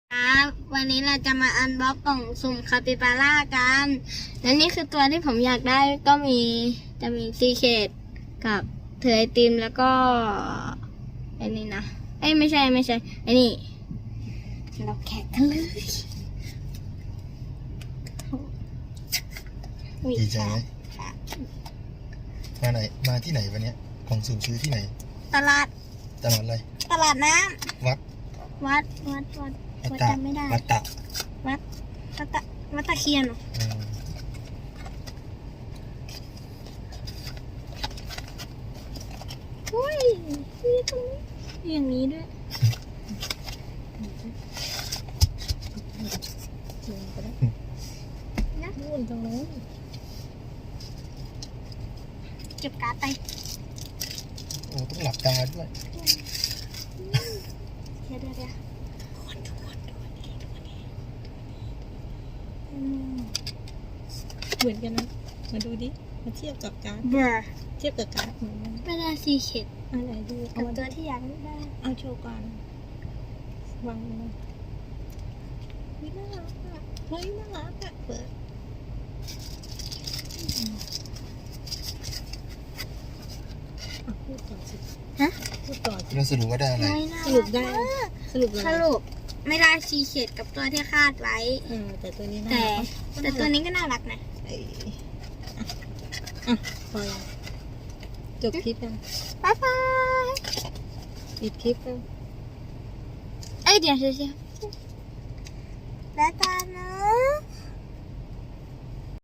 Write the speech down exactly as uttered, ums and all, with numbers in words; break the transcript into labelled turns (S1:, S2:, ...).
S1: ครับวันนี้เราจะมาอันบ็อกกล่องสุ่มคาปิบาร่ากันและนี่คือตัวที่ผมอยากได้ก็มีจะมีซีเคดกับเถือไอติมแล้วก็ไอ้นี่นะเอ้ยไม่ใช่ไม่ใช่ไอ้นี่เราแข่งกันเลย
S2: ดีใจไหมมาไหนมาที่ไหนวันนี้กล่องสุ่มซื้อที่ไหน
S1: ตลาด
S2: ตลาดอะไร
S1: ตลาดน้
S2: วัด
S1: ำวัดวัดวัด
S2: วัด
S1: วัด
S2: ตะ
S1: จำไม่ได้
S2: วัดตะ
S1: วัดวัดตะวัดตะเคียนเหรอ
S2: อืม
S1: อุ้ยมีตรงนี้อย่างนี้ด้วยนะนู่นตรงนู้นเก็บการ์ดไป
S2: โอ้ต้องหลับตาด้วย
S1: เดี๋ยวเดี๋ยวเดี๋ยวคนทุกคนดูนี่ดูนี่อืม
S3: เหมือนกันนะมาดูดิมาเทียบกับการ์ด
S1: เบอร์
S3: เทียบกับการ์ดเหมือนกัน
S1: ไม่ได้ซีเข็ด
S3: อันไหนดู
S1: กั
S3: เอา
S1: บ
S3: มา
S1: ตัวที่อยากได้
S3: เอาโชว์ก่อนวางเลยเฮ้ยน่ารักอ่ะเฮ้ยน่ารักอ่ะเปิดอ่ะพูดต่อสิ
S1: ฮะ
S3: พูดต่อสิ
S2: แล้วสรุปว่าได้อะไร
S1: ไม่น่า
S3: สรุปได้
S1: รักมาก
S3: สรุปอะไร
S1: สรุปไม่ได้ซีเข็ดกับตัวที่คาดไว้
S3: เออแต่ตัวนี้น่า
S1: แต่
S3: รัก
S1: แต่ตัวนี้ก็น่ารักนะ
S3: เอ้ยอ่ะอ่ะพอยังจบคลิปยัง
S1: บ๊ายบาย
S3: ปิดคลิปยัง
S1: เอ้ยเดี๋ยวเดี๋ยวเดี๋ยวบ๊ายบายนะ